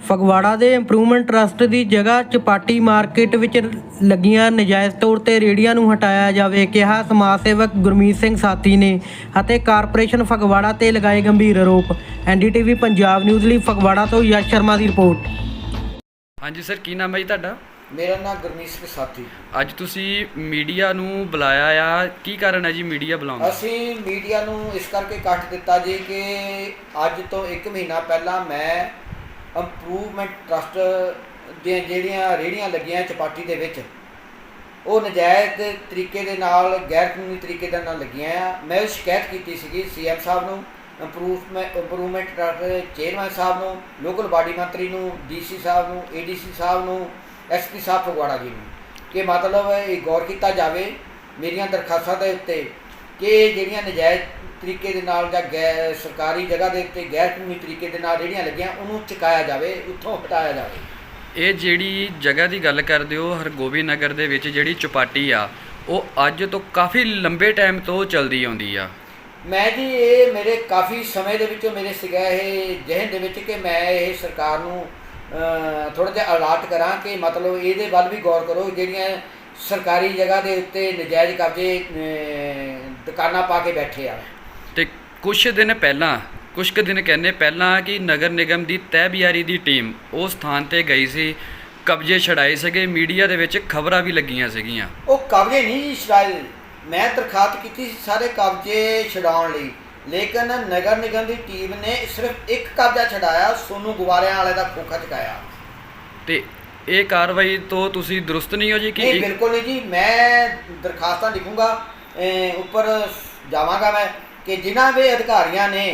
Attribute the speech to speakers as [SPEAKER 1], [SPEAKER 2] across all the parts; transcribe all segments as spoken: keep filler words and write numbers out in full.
[SPEAKER 1] ਫਗਵਾੜਾ ਦੇ improvement trust ਦੀ ਜਗ੍ਹਾ chapati market ਵਿੱਚ ਲੱਗੀਆਂ ਨਜਾਇਜ਼ ਤੌਰ 'ਤੇ ਰੇਹੜੀਆਂ ਨੂੰ ਹਟਾਇਆ ਜਾਵੇ, ਕਿਹਾ ਸਮਾਜ ਸੇਵਕ ਗੁਰਮੀਤ ਸਿੰਘ ਸਾਥੀ ਨੇ ਅਤੇ ਕਾਰਪੋਰੇਸ਼ਨ ਫਗਵਾੜਾ 'ਤੇ ਲਗਾਏ ਗੰਭੀਰ ਆਰੋਪ। N D T V Punjab news ਲਈ ਫਗਵਾੜਾ ਤੋਂ ਯਸ਼ ਸ਼ਰਮਾ ਦੀ ਰਿਪੋਰਟ।
[SPEAKER 2] ਹਾਂਜੀ ਸਰ, ਕੀ ਨਾਮ ਹੈ ਜੀ ਤੁਹਾਡਾ?
[SPEAKER 3] ਮੇਰਾ ਨਾਮ ਗੁਰਮੀਤ ਸਿੰਘ ਸਾਥੀ।
[SPEAKER 2] ਅੱਜ ਤੁਸੀਂ ਮੀਡੀਆ ਨੂੰ ਬੁਲਾਇਆ ਆ, ਕੀ ਕਾਰਨ ਹੈ ਜੀ ਮੀਡੀਆ ਬੁਲਾਉਣ ਦਾ?
[SPEAKER 3] ਅਸੀਂ ਮੀਡੀਆ ਨੂੰ ਇਸ ਕਰਕੇ ਕੱਟ ਦਿੱਤਾ ਜੀ ਕਿ ਅੱਜ ਤੋਂ ਇੱਕ ਮਹੀਨਾ ਪਹਿਲਾਂ ਮੈਂ ਇੰਪਰੂਵਮੈਂਟ ਟਰਸਟ ਦੀਆਂ ਜਿਹੜੀਆਂ ਰੇਹੜੀਆਂ ਲੱਗੀਆਂ ਚਪਾਟੀ ਦੇ ਵਿੱਚ, ਉਹ ਨਜਾਇਜ਼ ਤਰੀਕੇ ਦੇ ਨਾਲ, ਗੈਰ ਕਾਨੂੰਨੀ ਤਰੀਕੇ ਦੇ ਨਾਲ ਲੱਗੀਆਂ ਆ। ਮੈਂ ਉਹ ਸ਼ਿਕਾਇਤ ਕੀਤੀ ਸੀਗੀ ਸੀ ਐਮ ਸਾਹਿਬ ਨੂੰ, ਇੰਪਰੂਵਮੈਂਟ ਇੰਪਰੂਵਮੈਂਟ ਟਰਸਟ ਚੇਅਰਮੈਨ ਸਾਹਿਬ ਨੂੰ, ਲੋਕਲ ਬਾਡੀ ਮੰਤਰੀ ਨੂੰ, ਡੀ ਸੀ ਸਾਹਿਬ ਨੂੰ, ਏ ਡੀ ਸੀ ਸਾਹਿਬ ਨੂੰ, ਐਸ ਪੀ ਸਾਹਿਬ ਫਗਵਾੜਾ ਜੀ ਨੂੰ, ਕਿ ਮਤਲਬ ਇਹ ਗੌਰ ਕੀਤਾ ਜਾਵੇ ਮੇਰੀਆਂ ਦਰਖਾਸਤਾਂ ਦੇ ਉੱਤੇ ਕਿ ਜਿਹੜੀਆਂ ਨਜਾਇਜ਼ ਤਰੀਕੇ ਦੇ ਨਾਲ ਜਾਂ ਗੈਰ ਸਰਕਾਰੀ ਜਗ੍ਹਾ ਦੇ ਉੱਤੇ ਗੈਰ ਕਾਨੂੰਨੀ ਤਰੀਕੇ ਦੇ ਨਾਲ ਰੇਹੜੀਆਂ ਲੱਗੀਆਂ, ਉਹਨੂੰ ਚੁਕਾਇਆ ਜਾਵੇ, ਉੱਥੋਂ ਹਟਾਇਆ ਜਾਵੇ। ਇਹ
[SPEAKER 2] ਜਿਹੜੀ ਜਗ੍ਹਾ ਦੀ ਗੱਲ ਕਰਦੇ ਹੋ ਹਰਗੋਬਿੰਦ ਨਗਰ ਦੇ ਵਿੱਚ, ਜਿਹੜੀ ਚੁਪਾਟੀ ਆ, ਉਹ ਅੱਜ ਤੋਂ ਕਾਫੀ ਲੰਬੇ ਟਾਈਮ ਤੋਂ ਚੱਲਦੀ ਆਉਂਦੀ ਆ।
[SPEAKER 3] ਮੈਂ ਜੀ ਇਹ ਮੇਰੇ ਕਾਫੀ ਸਮੇਂ ਦੇ ਵਿੱਚੋਂ ਮੇਰੇ ਸੀਗਾ ਇਹ ਜਿਹਨ ਦੇ ਵਿੱਚ ਕਿ ਮੈਂ ਇਹ ਸਰਕਾਰ ਨੂੰ ਥੋੜ੍ਹਾ ਜਿਹਾ ਅਲਰਟ ਕਰਾਂ ਕਿ ਮਤਲਬ ਇਹਦੇ ਵੱਲ ਵੀ ਗੌਰ ਕਰੋ। ਜਿਹੜੀਆਂ ਸਰਕਾਰੀ ਜਗ੍ਹਾ ਦੇ ਉੱਤੇ ਨਜਾਇਜ਼ ਕਬਜ਼ੇ ਦੁਕਾਨਾਂ ਪਾ ਕੇ ਬੈਠੇ ਆ।
[SPEAKER 2] ਅਤੇ ਕੁਛ ਦਿਨ ਪਹਿਲਾਂ ਕੁਛ ਕੁ ਦਿਨ ਕਹਿੰਦੇ ਪਹਿਲਾਂ ਕਿ ਨਗਰ ਨਿਗਮ ਦੀ ਤਹਿਬਿਆਰੀ ਦੀ ਟੀਮ ਉਸ ਸਥਾਨ 'ਤੇ ਗਈ ਸੀ, ਕਬਜ਼ੇ ਛਡਾਏ ਸੀਗੇ, ਮੀਡੀਆ ਦੇ ਵਿੱਚ ਖਬਰਾਂ ਵੀ ਲੱਗੀਆਂ ਸੀਗੀਆਂ।
[SPEAKER 3] ਉਹ ਕਬਜ਼ੇ ਨਹੀਂ ਛਡਾਏ, ਮੈਂ ਦਰਖਾਸਤ ਕੀਤੀ ਸੀ ਸਾਰੇ ਕਬਜ਼ੇ ਛਡਾਉਣ ਲਈ, ਲੇਕਿਨ ਨਗਰ ਨਿਗਮ ਦੀ ਟੀਮ ਨੇ ਸਿਰਫ ਇੱਕ ਕਬਜ਼ਾ ਛਡਾਇਆ, ਸੋਨੂ ਗੁਬਾਰਿਆਂ ਵਾਲੇ ਦਾ ਖੋਖਾ ਚੁਕਾਇਆ।
[SPEAKER 2] ਅਤੇ ਇਹ ਕਾਰਵਾਈ ਤੋਂ ਤੁਸੀਂ ਦਰੁਸਤ ਨਹੀਂ ਹੋ ਜੀ? ਕਿ
[SPEAKER 3] ਨਹੀਂ, ਬਿਲਕੁਲ ਨਹੀਂ ਜੀ। ਮੈਂ ਦਰਖਾਸਤਾਂ ਲਿਖੂੰਗਾ, ਉੱਪਰ ਜਾਵਾਂਗਾ ਮੈਂ ਕਿ ਜਿਨ੍ਹਾਂ ਵੀ ਅਧਿਕਾਰੀਆਂ ਨੇ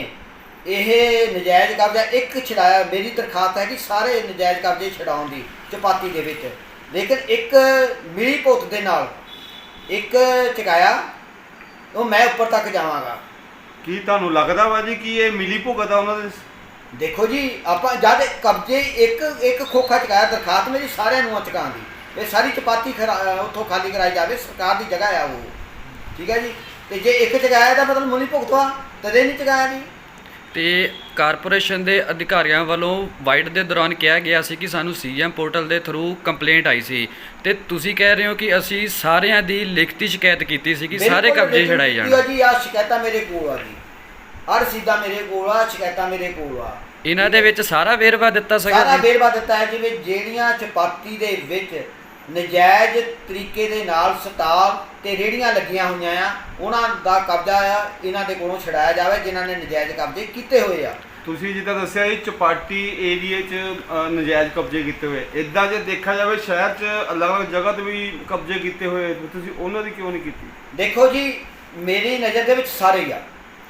[SPEAKER 3] ਇਹ ਨਜਾਇਜ਼ ਕਬਜ਼ਾ ਇੱਕ ਛਡਾਇਆ, ਮੇਰੀ ਦਰਖਾਸਤ ਹੈ ਕਿ ਸਾਰੇ ਨਜਾਇਜ਼ ਕਬਜ਼ੇ ਛਡਾਉਣ ਦੀ ਚਪਾਤੀ ਦੇ ਵਿੱਚ, ਲੇਕਿਨ ਇੱਕ ਮਿਲੀ ਭੁਗਤ ਦੇ ਨਾਲ ਇੱਕ ਚੁਕਾਇਆ, ਉਹ ਮੈਂ ਉੱਪਰ ਤੱਕ ਜਾਵਾਂਗਾ।
[SPEAKER 4] ਕੀ ਤੁਹਾਨੂੰ ਲੱਗਦਾ ਵਾ ਜੀ ਕਿ ਇਹ ਮਿਲੀ ਭੁਗਤ ਆ ਉਹਨਾਂ ਦੇ?
[SPEAKER 3] ਦੇਖੋ ਜੀ, ਆਪਾਂ ਜਦ ਕਬਜ਼ੇ ਇੱਕ ਇੱਕ ਖੋਖਾ ਚੁਕਾਇਆ, ਦਰਖਾਸਤ ਮੇਰੀ ਸਾਰਿਆਂ ਨੂੰ ਚੁਕਾਉਣ ਦੀ, ਇਹ ਸਾਰੀ ਚਪਾਤੀ ਖਰਾ ਉੱਥੋਂ ਖਾਲੀ ਕਰਾਈ ਜਾਵੇ, ਸਰਕਾਰ ਦੀ ਜਗ੍ਹਾ ਆ ਉਹ, ਠੀਕ ਹੈ ਜੀ। ਅਤੇ ਜੇ ਇੱਕ ਚੁਕਾਇਆ ਤਾਂ ਮਤਲਬ ਮਿਲੀ ਭੁਗਤ ਵਾ, ਤਦੇ ਨਹੀਂ ਚੁਕਾਇਆ ਜੀ।
[SPEAKER 2] ਅਤੇ ਕਾਰਪੋਰੇਸ਼ਨ ਦੇ ਅਧਿਕਾਰੀਆਂ ਵੱਲੋਂ ਵਾਈਟ ਦੇ ਦੌਰਾਨ ਕਿਹਾ ਗਿਆ ਸੀ ਕਿ ਸਾਨੂੰ ਸੀ ਐਮ ਪੋਰਟਲ ਦੇ ਥਰੂ ਕੰਪਲੇਂਟ ਆਈ ਸੀ, ਅਤੇ ਤੁਸੀਂ ਕਹਿ ਰਹੇ ਹੋ ਕਿ ਅਸੀਂ ਸਾਰਿਆਂ ਦੀ ਲਿਖਤੀ ਸ਼ਿਕਾਇਤ ਕੀਤੀ ਸੀ ਕਿ ਸਾਰੇ ਕਬਜ਼ੇ ਛਡਾਏ ਜਾਣ।
[SPEAKER 3] ਜੀ ਆਹ ਸ਼ਿਕਾਇਤਾਂ ਮੇਰੇ ਕੋਲ ਆ ਜੀ, ਆਹ ਰਸੀਦਾਂ ਮੇਰੇ ਕੋਲ ਆ, ਸ਼ਿਕਾਇਤਾਂ ਮੇਰੇ ਕੋਲ ਆ।
[SPEAKER 2] ਇਹਨਾਂ ਦੇ ਵਿੱਚ ਸਾਰਾ ਵੇਰਵਾ ਦਿੱਤਾ ਸੀਗਾ?
[SPEAKER 3] ਸਾਰਾ ਵੇਰਵਾ ਦਿੱਤਾ ਹੈ। ਜਿਵੇਂ ਜਿਹੜੀਆਂ ਚਪਾਤੀ ਦੇ ਵਿੱਚ ਨਜਾਇਜ਼ ਤਰੀਕੇ ਦੇ ਨਾਲ ਸਟਾਲ ਤੇ ਰੇਹੜੀਆਂ ਲੱਗੀਆਂ ਹੋਈਆਂ ਆ, ਉਹਨਾਂ ਦਾ ਕਬਜ਼ਾ ਆ ਇਹਨਾਂ ਦੇ ਕੋਲੋਂ ਛਡਾਇਆ ਜਾਵੇ ਜਿਨ੍ਹਾਂ ਨੇ ਨਜਾਇਜ਼ ਕਬਜ਼ੇ ਕੀਤੇ ਹੋਏ ਆ।
[SPEAKER 4] ਤੁਸੀਂ ਜਿੱਦਾਂ ਦੱਸਿਆ ਇਹ ਚਪਾਟੀ ਏਰੀਏ 'ਚ ਨਜਾਇਜ਼ ਕਬਜ਼ੇ ਕੀਤੇ ਹੋਏ, ਇੱਦਾਂ ਜੇ ਦੇਖਿਆ ਜਾਵੇ ਸ਼ਹਿਰ 'ਚ ਅਲੱਗ-ਅਲੱਗ ਜਗ੍ਹਾ 'ਤੇ ਵੀ ਕਬਜ਼ੇ ਕੀਤੇ ਹੋਏ, ਤੁਸੀਂ ਉਹਨਾਂ ਦੀ ਕਿਉਂ ਨਹੀਂ ਕੀਤੀ?
[SPEAKER 3] ਦੇਖੋ ਜੀ, ਮੇਰੀ ਨਜ਼ਰ ਦੇ ਵਿੱਚ ਸਾਰੇ ਹੀ ਆ।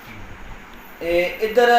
[SPEAKER 3] ਇਹ ਇੱਧਰ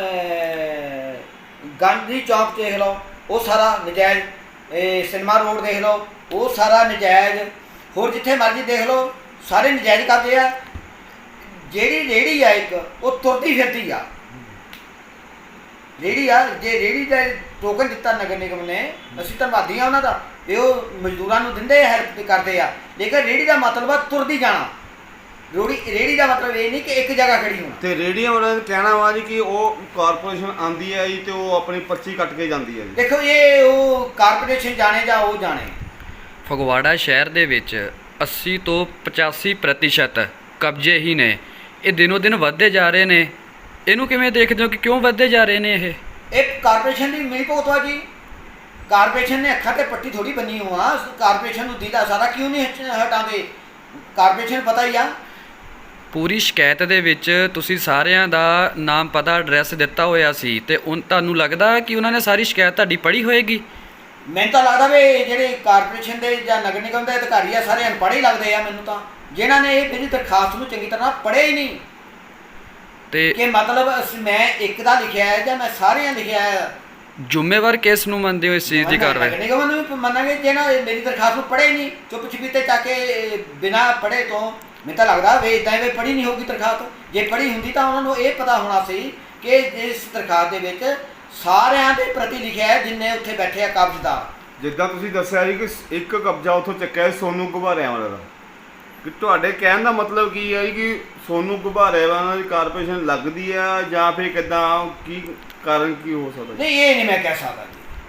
[SPEAKER 3] ਗਾਂਧੀ ਚੌਕ ਦੇਖ ਲਓ, ਉਹ ਸਾਰਾ ਨਜਾਇਜ਼, ਇਹ ਸਿਨੇਮਾ ਰੋਡ ਦੇਖ ਲਓ, ਉਹ ਸਾਰਾ ਨਜਾਇਜ਼, ਹੋਰ ਜਿੱਥੇ ਮਰਜ਼ੀ ਦੇਖ ਲਓ ਸਾਰੇ ਨਜਾਇਜ਼ ਕਬਜ਼ੇ ਆ। ਜਿਹੜੀ ਰੇਹੜੀ ਆ ਇੱਕ, ਉਹ ਤੁਰਦੀ ਫਿਰਦੀ ਆ ਰੇਹੜੀ ਆ। ਜੇ ਰੇਹੜੀ ਦਾ ਟੋਕਨ ਦਿੱਤਾ ਨਗਰ ਨਿਗਮ ਨੇ, ਅਸੀਂ ਧੰਨਵਾਦੀ ਆ ਉਹਨਾਂ ਦਾ, ਤੇ ਉਹ ਮਜ਼ਦੂਰਾਂ ਨੂੰ ਦਿੰਦੇ ਹੈਲਪ ਕਰਦੇ ਆ, ਲੇਕਿਨ ਰੇਹੜੀ ਦਾ ਮਤਲਬ ਆ ਤੁਰਦੀ ਜਾਣਾ। ਰੋੜੀ ਰੇਹੜੀ ਦਾ ਮਤਲਬ ਇਹ ਨਹੀਂ ਕਿ ਇੱਕ ਜਗ੍ਹਾ ਖੜੀ ਹੋਣਾ।
[SPEAKER 4] ਤੇ ਰੇਹੜੀਆਂ ਵਾਲਿਆਂ ਦਾ ਕਹਿਣਾ ਵਾ ਜੀ ਕਿ ਉਹ ਕਾਰਪੋਰੇਸ਼ਨ ਆਉਂਦੀ ਹੈ ਜੀ ਤੇ ਉਹ ਆਪਣੀ ਪਰਚੀ ਕੱਟ ਕੇ ਜਾਂਦੀ ਹੈ ਜੀ।
[SPEAKER 3] ਦੇਖੋ, ਇਹ ਉਹ ਕਾਰਪੋਰੇਸ਼ਨ ਜਾਣੇ ਜਾਂ ਉਹ ਜਾਣੇ।
[SPEAKER 2] ਫਗਵਾੜਾ ਸ਼ਹਿਰ ਦੇ ਵਿੱਚ ਅੱਸੀ ਤੋਂ ਪਚਾਸੀ ਪ੍ਰਤੀਸ਼ਤ ਕਬਜ਼ੇ ਹੀ ਨੇ, ਇਹ ਦਿਨੋਂ ਦਿਨ ਵੱਧਦੇ ਜਾ ਰਹੇ ਨੇ। ਇਹਨੂੰ ਕਿਵੇਂ ਦੇਖਦੇ ਹੋ ਕਿ ਕਿਉਂ ਵੱਧਦੇ ਜਾ ਰਹੇ ਨੇ? ਇਹ
[SPEAKER 3] ਇੱਕ ਕਾਰਪੋਰੇਸ਼ਨ ਦੀ ਮਿਲੀ ਭੁਗਤ ਵਾ ਜੀ। ਕਾਰਪੋਰੇਸ਼ਨ ਨੇ ਅੱਖਾਂ ਤੇ ਪੱਟੀ ਥੋੜੀ ਬੰਨੀ ਹੋਆ, ਕਾਰਪੋਰੇਸ਼ਨ ਨੂੰ ਦੀਦਾ ਸਾਰਾ ਕਿਉਂ ਨਹੀਂ ਹਟਾਉਂਦੇ? ਕਾਰਪੋਰੇਸ਼ਨ ਪਤਾ ਹੀ ਆ।
[SPEAKER 2] ਪੂਰੀ ਸ਼ਿਕਾਇਤ ਦੇ ਵਿੱਚ ਤੁਸੀਂ ਸਾਰਿਆਂ ਦਾ ਨਾਮ, ਪਤਾ, ਐਡਰੈਸ ਦਿੱਤਾ ਹੋਇਆ ਸੀ, ਅਤੇ ਉਹ ਤੁਹਾਨੂੰ ਲੱਗਦਾ ਕਿ ਉਹਨਾਂ ਨੇ ਸਾਰੀ ਸ਼ਿਕਾਇਤ ਤੁਹਾਡੀ ਪੜ੍ਹੀ ਹੋਏਗੀ?
[SPEAKER 3] ਮੈਨੂੰ ਤਾਂ ਲੱਗਦਾ ਵੀ ਜਿਹੜੇ ਕਾਰਪੋਰੇਸ਼ਨ ਦੇ ਜਾਂ ਨਗਰ ਨਿਗਮ ਦੇ ਅਧਿਕਾਰੀ ਆ ਸਾਰੇ ਅਨਪੜ੍ਹ ਹੀ ਲੱਗਦੇ ਆ ਮੈਨੂੰ ਤਾਂ, ਜਿਨ੍ਹਾਂ ਨੇ ਇਹ ਮੇਰੀ ਦਰਖਾਸਤ ਨੂੰ ਚੰਗੀ ਤਰ੍ਹਾਂ ਪੜ੍ਹਿਆ ਹੀ ਨਹੀਂ।
[SPEAKER 2] ਤੇ
[SPEAKER 3] ਕਿ ਮਤਲਬ ਮੈਂ ਇੱਕ ਦਾ ਲਿਖਿਆ ਹੈ ਜਾਂ ਮੈਂ ਸਾਰਿਆਂ ਲਿਖਿਆ ਹੈ।
[SPEAKER 2] ਜ਼ਿੰਮੇਵਾਰ ਕਿਸ ਨੂੰ ਮੰਨਦੇ ਹੋ ਇਸ ਚੀਜ਼ ਦੀ ਕਾਰਵਾਈ?
[SPEAKER 3] ਨਗਰ ਨਿਗਮ ਨੂੰ ਵੀ ਮੰਨਾਂਗੇ ਜਿਹਨਾਂ ਮੇਰੀ ਦਰਖਾਸਤ ਨੂੰ ਪੜ੍ਹਿਆ ਹੀ ਨਹੀਂ, ਚੁੱਪ ਚਪੀਤੇ ਚਾ ਕੇ ਬਿਨਾਂ ਪੜ੍ਹੇ ਤੋਂ। ਮੈਨੂੰ ਤਾਂ ਲੱਗਦਾ ਵੀ ਇੱਦਾਂ ਵੀ ਪੜ੍ਹੀ ਨਹੀਂ ਹੋਊਗੀ ਦਰਖਾਸਤ। ਜੇ ਪੜ੍ਹੀ ਹੁੰਦੀ ਤਾਂ ਉਹਨਾਂ ਨੂੰ ਇਹ ਪਤਾ ਹੋਣਾ ਸੀ ਕਿ ਇਸ ਦਰਖਾਸਤ ਦੇ ਵਿੱਚ ਸਾਰਿਆਂ ਦੇ ਪ੍ਰਤੀ ਲਿਖਿਆ ਹੈ ਜਿੰਨੇ ਉੱਥੇ ਬੈਠੇ ਆ ਕਬਜ਼ਦਾਰ।
[SPEAKER 4] ਜਿੱਦਾਂ ਤੁਸੀਂ ਦੱਸਿਆ ਜੀ ਕਿ ਇੱਕ ਕਬਜ਼ਾ ਉੱਥੋਂ ਚੱਕਿਆ ਸੋਨੂ ਗੁਬਾਰਿਆਂ ਵਾਲਾ ਦਾ, ਕਿ ਤੁਹਾਡੇ ਕਹਿਣ ਦਾ ਮਤਲਬ ਕੀ ਹੈ ਕਿ ਸੋਨੂ ਗੁਬਾਰੇ ਵਾਲਾ ਦੀ ਕਾਰਪੋਰੇਸ਼ਨ ਲੱਗਦੀ ਆ ਜਾਂ ਫਿਰ ਕਿੱਦਾਂ, ਕੀ ਕਾਰਨ ਕੀ ਹੋ ਸਕਦਾ?
[SPEAKER 3] ਨਹੀਂ, ਇਹ ਨਹੀਂ ਮੈਂ ਕਹਿ ਸਕਦਾ ਜੀ।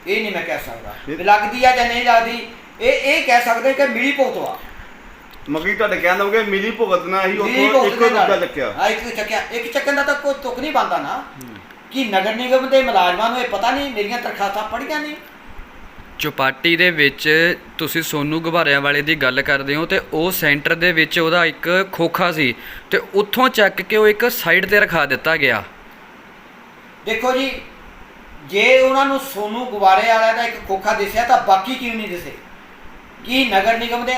[SPEAKER 3] ਇਹ ਨਹੀਂ ਮੈਂ ਕਹਿ ਸਕਦਾ ਵੀ ਲੱਗਦੀ ਆ ਜਾਂ ਨਹੀਂ ਲੱਗਦੀ, ਇਹ ਇਹ ਕਹਿ ਸਕਦੇ ਕਿ ਮਿਲੀ ਭੁਗਤ ਵਾ।
[SPEAKER 4] ਮਗੀ ਤੁਹਾਡੇ ਕਹਿਣ ਦਾ ਕਿ ਮਿਲੀ ਭੁਗਤ ਨਾਲ ਹੀ
[SPEAKER 3] ਮਿਲੀ
[SPEAKER 4] ਉੱਥੋਂ
[SPEAKER 3] ਭੁਗਤ
[SPEAKER 4] ਇੱਕੋ
[SPEAKER 3] ਦੇ ਨਾਲ।
[SPEAKER 4] ਰੁਪਿਆ ਚੱਕਿਆ।
[SPEAKER 3] ਹਾਂ, ਇੱਕ ਚੱਕਿਆ, ਇੱਕ ਚੱਕਣ ਦਾ ਤਾਂ ਕੋਈ ਤੁਕ ਨਹੀਂ ਬਣਦਾ ਨਾ ਕਿ ਨਗਰ ਨਿਗਮ ਦੇ ਮੁਲਾਜ਼ਮਾਂ ਨੂੰ ਇਹ ਪਤਾ ਨਹੀਂ ਮੇਰੀਆਂ ਦਰਖਾਸਤਾਂ ਪੜ੍ਹੀਆਂ ਨਹੀਂ।
[SPEAKER 2] ਚੌਪਾਟੀ ਦੇ ਵਿੱਚ ਤੁਸੀਂ ਸੋਨੂ ਗੁਬਾਰਿਆਂ ਵਾਲੇ ਦੀ ਗੱਲ ਕਰਦੇ ਹੋ ਤੇ ਉਹ ਸੈਂਟਰ ਦੇ ਵਿੱਚ ਉਹਦਾ ਇੱਕ ਖੋਖਾ ਸੀ ਤੇ ਉੱਥੋਂ ਚੱਕ ਕੇ ਉਹ ਇੱਕ ਸਾਈਡ ਤੇ ਰਖਾ ਦਿੱਤਾ ਗਿਆ।
[SPEAKER 3] ਦੇਖੋ ਜੀ, ਜੇ ਉਹਨਾਂ ਨੂੰ ਸੋਨੂ ਗੁਬਾਰੇ ਵਾਲਿਆਂ ਦਾ ਇੱਕ ਖੋਖਾ ਦਿਸਿਆ ਤਾਂ ਬਾਕੀ ਕਿਉਂ ਨਹੀਂ ਦਿਸੇ? ਕੀ ਨਗਰ ਨਿਗਮ ਦੇ